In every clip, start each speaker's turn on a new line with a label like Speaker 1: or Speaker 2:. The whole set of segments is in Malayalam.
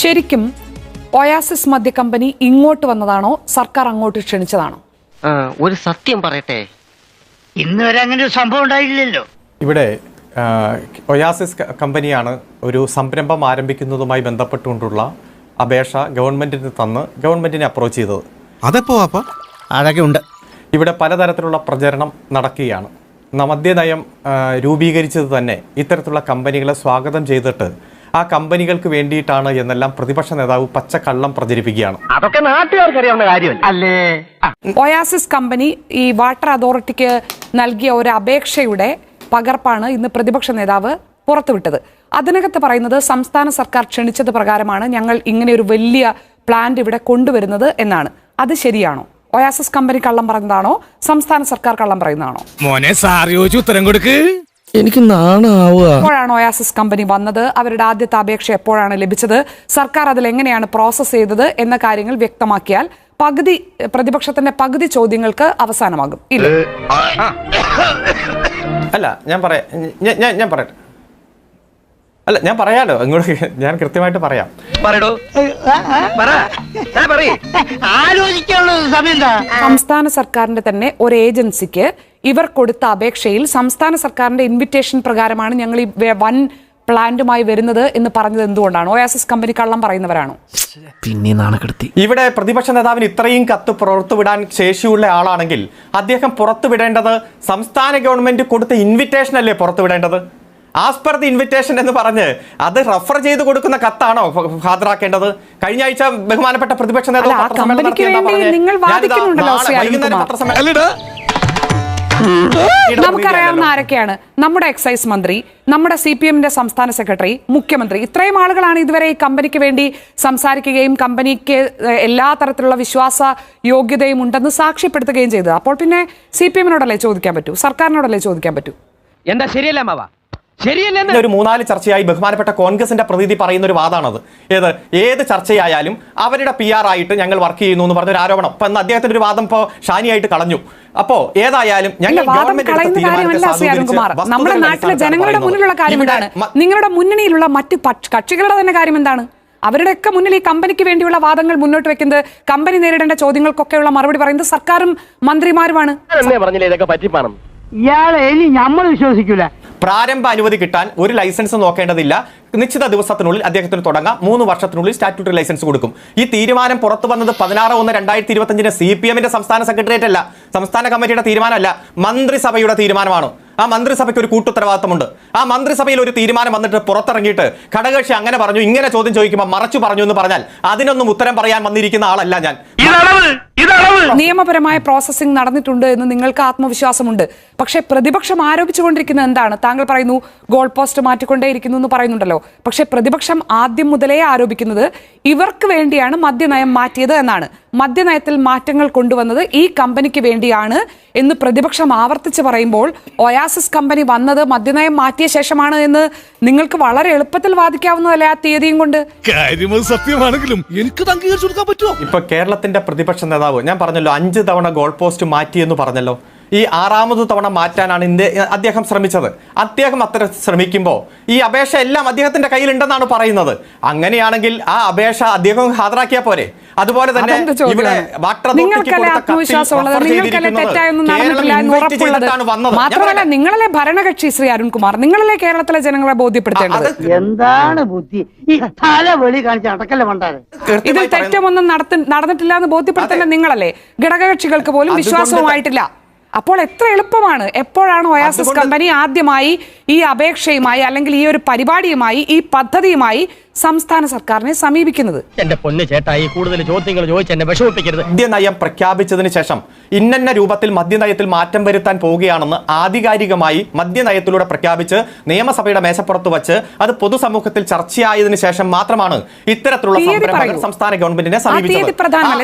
Speaker 1: ശരിക്കും ഒയാസിസ് മദ്യ കമ്പനി ഇങ്ങോട്ട് വന്നതാണോ സർക്കാർ അങ്ങോട്ട് ക്ഷണിച്ചതാണോ?
Speaker 2: ഒരു സത്യം പറയട്ടെ,
Speaker 3: ഇന്ന് വരെ അങ്ങനെ ഒരു സംഭവം ഉണ്ടായില്ലല്ലോ.
Speaker 4: ഇവിടെ ഒയാസിസ് കമ്പനിയാണ് ഒരു സംരംഭം ആരംഭിക്കുന്നതുമായി ബന്ധപ്പെട്ടുകൊണ്ടുള്ള അപേക്ഷ ഗവൺമെന്റിന് തന്ന് ഗവൺമെന്റിനെ അപ്രോച്ച് ചെയ്തത്.
Speaker 5: അതെപ്പോ അതൊക്കെ ഉണ്ട്.
Speaker 4: ഇവിടെ പലതരത്തിലുള്ള പ്രചരണം നടക്കുകയാണ്. മദ്യനയം രൂപീകരിച്ചത് തന്നെ ഇത്തരത്തിലുള്ള കമ്പനികളെ സ്വാഗതം ചെയ്തിട്ട് ആ കമ്പനികൾക്ക് വേണ്ടിയിട്ടാണ് എന്നെല്ലാം പ്രതിപക്ഷ നേതാവ് പച്ചക്കള്ളം പ്രചരിപ്പിക്കുകയാണ്.
Speaker 2: അതൊക്കെ നാട്ടുകാർക്ക് അറിയാവുന്ന കാര്യമല്ല അല്ലേ?
Speaker 1: ഒയാസിസ് കമ്പനി ഈ വാട്ടർ അതോറിറ്റിക്ക് നൽകിയ ഒരു അപേക്ഷയുടെ പകർപ്പാണ് ഇന്ന് പ്രതിപക്ഷ നേതാവ് പുറത്തുവിട്ടത്. അതിനകത്ത് പറയുന്നത് സംസ്ഥാന സർക്കാർ ക്ഷണിച്ചത് പ്രകാരമാണ് ഞങ്ങൾ ഇങ്ങനെ ഒരു വലിയ പ്ലാന്റ് ഇവിടെ കൊണ്ടുവരുന്നത് എന്നാണ്. അത് ശരിയാണോ? ഒയാസിസ് കമ്പനി കള്ളം പറഞ്ഞതാണോ, സംസ്ഥാന സർക്കാർ കള്ളം പറയുന്നതാണോ?
Speaker 5: മോനെ സാർ ചോദിച്ചു ഉത്തരം കൊടുക്ക്. എനിക്ക് നാണാവുക.
Speaker 1: എപ്പോഴാണ് ഒയാസിസ് കമ്പനി വന്നത്? അവരുടെ ആദ്യത്തെ അപേക്ഷ എപ്പോഴാണ് ലഭിച്ചത്? സർക്കാർ അതിൽ എങ്ങനെയാണ് പ്രോസസ് ചെയ്തത് എന്ന കാര്യങ്ങൾ വ്യക്തമാക്കിയാൽ പ്രതിപക്ഷത്തിന്റെ പകുതി ചോദ്യങ്ങൾക്ക് അവസാനമാകും. ഇല്ല,
Speaker 4: അല്ല ഞാൻ പറയട്ടെ. അല്ല ഞാൻ പറയാലോ, ഇങ്ങോട്ട് ഞാൻ കൃത്യമായിട്ട് പറയാം. സംസ്ഥാന സർക്കാരിന്റെ തന്നെ ഒരു ഏജൻസിക്ക് ഇവർ കൊടുത്ത അപേക്ഷയിൽ സംസ്ഥാന സർക്കാരിന്റെ ഇൻവിറ്റേഷൻ പ്രകാരമാണ് ഞങ്ങൾ ഈ വൻ പ്ലാന്റുമായി വരുന്നത് എന്ന് പറഞ്ഞത് എന്തുകൊണ്ടാണ്? ഒയാസിസ് കമ്പനി കള്ളം പറയുന്നവരാണോ?
Speaker 5: പിന്നെ നാണക്കെടുത്തി.
Speaker 4: ഇവിടെ പ്രതിപക്ഷ നേതാവിന് ഇത്രയും കത്ത് പുറത്തുവിടാൻ ശേഷിയുള്ള ആളാണെങ്കിൽ അദ്ദേഹം പുറത്തുവിടേണ്ടത് സംസ്ഥാന ഗവൺമെന്റ് കൊടുത്ത ഇൻവിറ്റേഷൻ അല്ലേ പുറത്തുവിടേണ്ടത്? ആസ് പെർ ദി ഇൻവിറ്റേഷൻ എന്ന് പറഞ്ഞ് അത് റഫർ ചെയ്ത് കൊടുക്കുന്ന കത്താണോ ഹാജരാക്കേണ്ടത്? കഴിഞ്ഞ ആഴ്ച ബഹുമാനപ്പെട്ട പ്രതിപക്ഷ നേതാവ്
Speaker 1: നമുക്കറിയാവുന്ന ആരൊക്കെയാണ്? നമ്മുടെ എക്സൈസ് മന്ത്രി, നമ്മുടെ CPM-ന്റെ സംസ്ഥാന സെക്രട്ടറി, മുഖ്യമന്ത്രി, ഇത്രയും ആളുകളാണ് ഇതുവരെ ഈ കമ്പനിക്ക് വേണ്ടി സംസാരിക്കുകയും കമ്പനിക്ക് എല്ലാ തരത്തിലുള്ള വിശ്വാസ യോഗ്യതയും ഉണ്ടെന്ന് സാക്ഷ്യപ്പെടുത്തുകയും ചെയ്തത്. അപ്പോൾ പിന്നെ CPM-നോടല്ലേ ചോദിക്കാൻ പറ്റൂ? സർക്കാരിനോടല്ലേ ചോദിക്കാൻ പറ്റൂ?
Speaker 2: എന്താ ശരിയല്ല മാവാ?
Speaker 4: ഒരു 3-4 ചർച്ചയായി ബഹുമാനപ്പെട്ട കോൺഗ്രസിന്റെ പ്രതിനിധി പറയുന്ന ഒരു വാദമാണത്. ഏത് ചർച്ചയായാലും അവരുടെ PR ആയിട്ട് ഞങ്ങൾ വർക്ക് ചെയ്യുന്നു എന്ന് പറഞ്ഞൊരു ആരോപണം. അപ്പൊ അദ്ദേഹത്തിന്റെ ഒരു വാദം ഇപ്പോ ഷാനിയായിട്ട് കളഞ്ഞു. അപ്പോ ഏതായാലും ഞങ്ങൾ
Speaker 1: നമ്മുടെ നാട്ടിലെ ജനങ്ങളുടെ മുന്നിലുള്ള കാര്യം എന്താണ്? നിങ്ങളുടെ മുന്നണിയിലുള്ള മറ്റ് കക്ഷികളുടെ തന്നെ കാര്യം എന്താണ്? അവരുടെയൊക്കെ മുന്നിൽ ഈ കമ്പനിക്ക് വേണ്ടിയുള്ള വാദങ്ങൾ മുന്നോട്ട് വെക്കുന്നത്, കമ്പനി നേരിടേണ്ട ചോദ്യങ്ങൾക്കൊക്കെയുള്ള മറുപടി പറയുന്നത് സർക്കാരും മന്ത്രിമാരുമാണ്.
Speaker 3: ഇയാളെ ഇനി നമ്മൾ വിശ്വസിക്കൂല.
Speaker 4: പ്രാരംഭ അനുമതി കിട്ടാൻ ഒരു ലൈസൻസ് നോക്കേണ്ടതില്ല. നിശ്ചിത ദിവസത്തിനുള്ളിൽ അദ്ദേഹത്തിന് തുടങ്ങാം. 3 വർഷത്തിനുള്ളിൽ സ്റ്റാറ്റ്യൂട്ടറി ലൈസൻസ് കൊടുക്കും. ഈ തീരുമാനം പുറത്തു വന്നത് 16/1/2025 CPM-ന്റെ സംസ്ഥാന സെക്രട്ടേറിയറ്റ് അല്ല, സംസ്ഥാന കമ്മിറ്റിയുടെ തീരുമാനമല്ല, മന്ത്രിസഭയുടെ തീരുമാനമാണ്. ആ മന്ത്രിസഭയ്ക്ക് ഒരു കൂട്ടുത്തരവാദിത്തമുണ്ട്. ആ മന്ത്രിസഭയിൽ ഒരു തീരുമാനം വന്നിട്ട് പുറത്തിറങ്ങിയിട്ട് ഘടകകക്ഷി അങ്ങനെ പറഞ്ഞു, ഇങ്ങനെ ചോദ്യം ചോദിക്കുമ്പോൾ മറച്ചു പറഞ്ഞു എന്ന് പറഞ്ഞാൽ അതിനൊന്നും ഉത്തരം പറയാൻ വന്നിരിക്കുന്ന ആളല്ല ഞാൻ.
Speaker 1: നിയമപരമായ പ്രോസസ്സിംഗ് നടന്നിട്ടുണ്ട് എന്ന് നിങ്ങൾക്ക് ആത്മവിശ്വാസമുണ്ട്. പക്ഷേ പ്രതിപക്ഷം ആരോപിച്ചുകൊണ്ടിരിക്കുന്നത് എന്താണ്? താങ്കൾ പറയുന്നു ഗോൾ പോസ്റ്റ് മാറ്റിക്കൊണ്ടേയിരിക്കുന്നു എന്ന് പറയുന്നുണ്ടല്ലോ. പക്ഷേ പ്രതിപക്ഷം ആദ്യം മുതലേ ആരോപിക്കുന്നത് ഇവർക്ക് വേണ്ടിയാണ് മദ്യനയം മാറ്റിയത് എന്നാണ്. മദ്യനയത്തിൽ മാറ്റങ്ങൾ കൊണ്ടുവന്നത് ഈ കമ്പനിക്ക് വേണ്ടിയാണ് എന്ന് പ്രതിപക്ഷം ആവർത്തിച്ച് പറയുമ്പോൾ ഒയാസിസ് കമ്പനി വന്നത് മദ്യനയം മാറ്റിയ ശേഷമാണ് എന്ന് നിങ്ങൾക്ക് വളരെ എളുപ്പത്തിൽ വാദിക്കാവുന്നതല്ലേ ആ തീയതിയും കൊണ്ട്?
Speaker 5: സത്യമാണെങ്കിലും എനിക്ക് അംഗീകരിച്ചു കൊടുക്കാൻ പറ്റുമോ?
Speaker 4: ഇപ്പൊ കേരളത്തിന്റെ പ്രതിപക്ഷ നേതാവ് ഞാൻ പറഞ്ഞല്ലോ 5 തവണ ഗോൾ പോസ്റ്റ് മാറ്റി എന്ന് പറഞ്ഞല്ലോ. ഈ 6ാമത് തവണ മാറ്റാനാണ് അദ്ദേഹം ശ്രമിച്ചത്. അദ്ദേഹം അത്ര ശ്രമിക്കുമ്പോൾ ഈ അപേക്ഷ എല്ലാം അദ്ദേഹത്തിന്റെ കയ്യിലുണ്ടെന്നാണ് പറയുന്നത്. അങ്ങനെയാണെങ്കിൽ ആ അപേക്ഷ അദ്ദേഹം ഹാജരാക്കിയാൽ പോരെ? അതുപോലെ തന്നെ ഇവിടെ
Speaker 1: മാത്രമല്ല നിങ്ങളല്ലേ ഭരണകക്ഷി ശ്രീ അരുൺകുമാർ, നിങ്ങളല്ലേ കേരളത്തിലെ ജനങ്ങളെ ബോധ്യപ്പെടുത്തേണ്ടത്.
Speaker 3: എന്താണ് ബുദ്ധി ഈ തലവെളി കാണിച്ച അടക്കല്ലേ മണ്ടാരെ?
Speaker 1: ഇതിൽ തെറ്റമൊന്നും നടന്നിട്ടില്ല എന്ന് ബോധ്യപ്പെടുത്തേണ്ട നിങ്ങളല്ലേ. ഘടകകക്ഷികൾക്ക് പോലും വിശ്വാസവുമായിട്ടില്ല. അപ്പോൾ എത്ര എളുപ്പമാണ്. എപ്പോഴാണ് ഒയാസിസ് കമ്പനി ആദ്യമായി ഈ അപേക്ഷയുമായി അല്ലെങ്കിൽ ഈ ഒരു പരിപാടിയുമായി ഈ പദ്ധതിയുമായി സംസ്ഥാന സർക്കാരിനെ സമീപിക്കുന്നത്?
Speaker 2: എന്റെ പൊന്നു ചേട്ടായി, കൂടുതൽ ചോദ്യങ്ങൾ ചോദിച്ച് എന്നെ വിഷമിപ്പിക്കരുത്.
Speaker 4: മദ്യനയം പ്രഖ്യാപിച്ചതിന് ശേഷം ഇന്ന രൂപത്തിൽ മദ്യനയത്തിൽ മാറ്റം വരുത്താൻ പോവുകയാണെന്ന് ആധികാരികമായി മദ്യനയത്തിലൂടെ പ്രഖ്യാപിച്ച് നിയമസഭയുടെ മേശപ്പുറത്ത് വച്ച് അത് പൊതുസമൂഹത്തിൽ ചർച്ചയായതിനു ശേഷം മാത്രമാണ് ഇത്തരത്തിലുള്ള സംരംഭങ്ങൾ സംസ്ഥാന ഗവൺമെന്റിനെ സമീപിച്ചത്.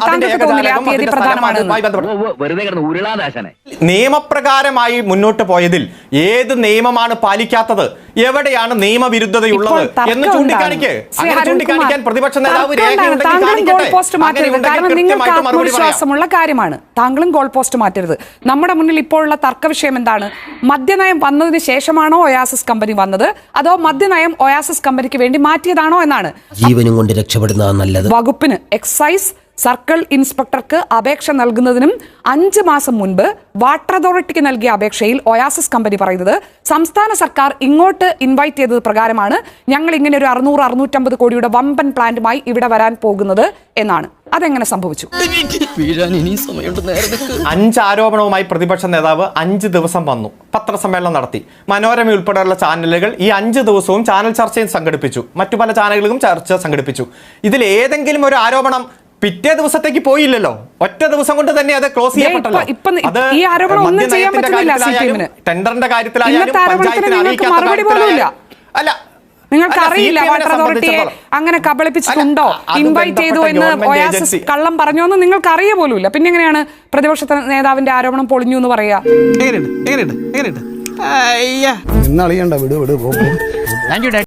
Speaker 4: നിയമപ്രകാരമായി മുന്നോട്ട് പോയതിൽ ഏത് നിയമമാണ് പാലിക്കാത്തത്, എവിടെയാണ് നിയമവിരുദ്ധതയുള്ളത് എന്ന് ചൂണ്ടിക്കാണിക്ക്.
Speaker 1: ശ്രീ
Speaker 4: അങ്ങനെ ചൂണ്ടിക്കാണിക്കാൻ
Speaker 1: അരുൺകുമാർ,
Speaker 4: പ്രതിപക്ഷ നേതാവ്
Speaker 1: തർക്കമുണ്ടാണ്. താങ്കളും ഗോൾ പോസ്റ്റ് മാറ്റരുത്.
Speaker 4: അങ്ങനെയുണ്ടെങ്കിൽ
Speaker 1: കാരണം നിങ്ങൾക്ക്
Speaker 4: കൃത്യമായിട്ട് മറുപടി പറയാം.
Speaker 1: ആത്മവിശ്വാസമുള്ള കാര്യമാണ്. താങ്കളും ഗോൾ പോസ്റ്റ് മാറ്റരുത്. നമ്മുടെ മുന്നിൽ ഇപ്പോഴുള്ള തർക്ക വിഷയം എന്താണ്? മദ്യനയം വന്നതിന് ശേഷമാണോ ഒയാസിസ് കമ്പനി വന്നത്, അതോ മദ്യനയം ഒയാസിസ് കമ്പനിക്ക് വേണ്ടി മാറ്റിയതാണോ എന്നാണ്.
Speaker 5: ജീവനും കൊണ്ട് രക്ഷപ്പെടുന്നതാ നല്ലത്.
Speaker 1: വകുപ്പിന് എക്സൈസ് സർക്കിൾ ഇൻസ്പെക്ടർക്ക് അപേക്ഷ നൽകുന്നതിനും 5 മാസം മുൻപ് വാട്ടർ അതോറിറ്റിക്ക് നൽകിയ അപേക്ഷയിൽ ഒയാസിസ് കമ്പനി പറയുന്നത് സംസ്ഥാന സർക്കാർ ഇങ്ങോട്ട് ഇൻവൈറ്റ് ചെയ്തത് പ്രകാരമാണ് ഞങ്ങൾ ഇങ്ങനെ ഒരു 600-650 കോടിയുടെ വമ്പൻ പ്ലാന്റുമായി ഇവിടെ വരാൻ പോകുന്നത് എന്നാണ്. അതെങ്ങനെ സംഭവിച്ചു?
Speaker 4: 5 ആരോപണവുമായി പ്രതിപക്ഷ നേതാവ് 5 ദിവസം വന്നു, പത്രസമ്മേളനം നടത്തി. മനോരമ ഉൾപ്പെടെയുള്ള ചാനലുകൾ ഈ 5 ദിവസവും ചാനൽ ചർച്ചയും സംഘടിപ്പിച്ചു. മറ്റു പല ചാനലുകളും ചർച്ച സംഘടിപ്പിച്ചു. ഇതിൽ ഏതെങ്കിലും ഒരു ആരോപണം പിറ്റേ ദിവസത്തേക്ക് പോയില്ലല്ലോ. ഒറ്റ ദിവസം കൊണ്ട് തന്നെ അത് ക്ലോസ് ചെയ്യപ്പെട്ടല്ലോ. അത്
Speaker 1: ഈ ആരോപണം ഒന്നും ചെയ്യാൻ പറ്റുന്നില്ല CPM-ന്.
Speaker 4: ടെൻഡറിന്റെ കാര്യത്തിലായാലും
Speaker 1: ഇന്നത്തെ ആരോപണത്തിന്
Speaker 4: പഞ്ചായത്തിന്
Speaker 1: നിങ്ങൾക്ക്
Speaker 4: അറിയിക്കാത്ത
Speaker 1: മറുപടി പോലുമില്ല.
Speaker 4: അല്ല,
Speaker 1: നിങ്ങൾക്ക്
Speaker 4: അല്ല,
Speaker 1: അറിയില്ല
Speaker 4: CPM-നെ
Speaker 1: വാട്ടർ അതോറിറ്റിയെ അങ്ങനെ കബളിപ്പിച്ചിട്ടുണ്ടോ,
Speaker 4: അത്
Speaker 1: ഇൻവൈറ്റ് ചെയ്തു എന്ന്
Speaker 4: ബന്ധപ്പെട്ട
Speaker 1: ഒയാസിസ്
Speaker 4: ഏജൻസി
Speaker 1: കള്ളം പറഞ്ഞോ എന്ന് നിങ്ങൾക്ക് അറിയ പോലുമില്ല. പിന്നെ എങ്ങനെയാണ് പ്രതിപക്ഷ നേതാവിന്റെ ആരോപണം പൊളിഞ്ഞു എന്ന് പറയാ?
Speaker 6: എങ്ങനെയുണ്ട്?